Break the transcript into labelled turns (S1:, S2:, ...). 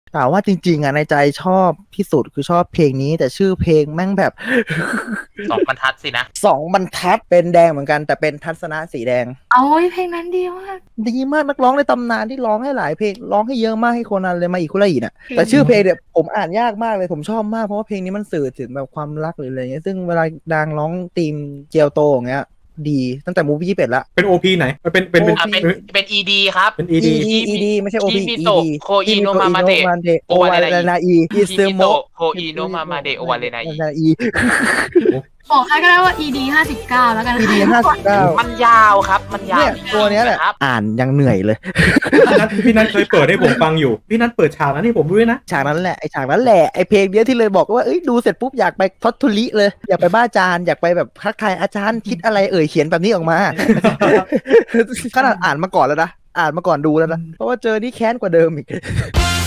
S1: แต่ว่าจริงๆอ่ะในใจชอบที่สุดคือชอบเพลงนี้แต่ชื่อเพลงแม่งแบบ
S2: 2 บรรทัดสินะ
S1: 2 บรรทัดเป็นแดงเหมือนกันแต่เป็นทัศนะสีแดง
S3: โอ้ยเพลงนั้นดีมาก
S1: ดีมากนักร้องในตำนานที่ร้องให้หลายเพลงร้องให้เยอะมากให้โคนันเลยมาอีกคุระอีน่ะแต่ชื่อเพลงเนี่ยผมอ่านยากมากเลยผมชอบมากเพราะว่าเพลงนี้มันสื่อถึงแบบความรักหรืออะไรเงี้ยซึ่งเวลาดังร้องธีมเจียวโตอย่างเงี้ยดีตั้งแต่มูฟวี่21ละ
S4: เป็นโอพีไหนเป็น
S1: OP
S2: เป็น ED ครับ
S4: เป็นอีดี
S1: ED ไม่ใช่ OP
S2: คิมิโตะ
S1: ED
S2: โคอิโนมามาเดะ
S1: โอวาเรนาอีอิซึ
S2: คิมิ
S1: โมะ
S2: โตะโคอิโนมามาเดะโอวาเรนาอิ
S1: อี
S3: บอกให้ก็ได้ว่า ED 59แล้วกัน
S1: ED 59
S2: มันยาวครับ มันยาว
S1: เนี่ยตัวเนี้ยแหละ
S2: ครับ
S1: อ่านยังเหนื่อยเลย
S4: พี่นัทเคยเปิดให้ผมฟังอยู่พี่นัทเปิดฉากนั้นให้ผมด้วยนะ
S1: ฉากนั้นแหละไอฉากนั้นแหละไอเพลงเนี้ยที่เลยบอกว่าเอ้ยดูเสร็จปุ๊บอยากไปทอดทุลิเลยอยากไปบ้าอาจารย์อยากไปแบบทักทายอาจารย์คิดอะไรเขียนแบบนี้ออกมา ขนาดอ่านมาก่อนแล้วนะอ่านมาก่อนดูแล้วนะเพราะว่าเจอนี่แค้นกว่าเดิมอีก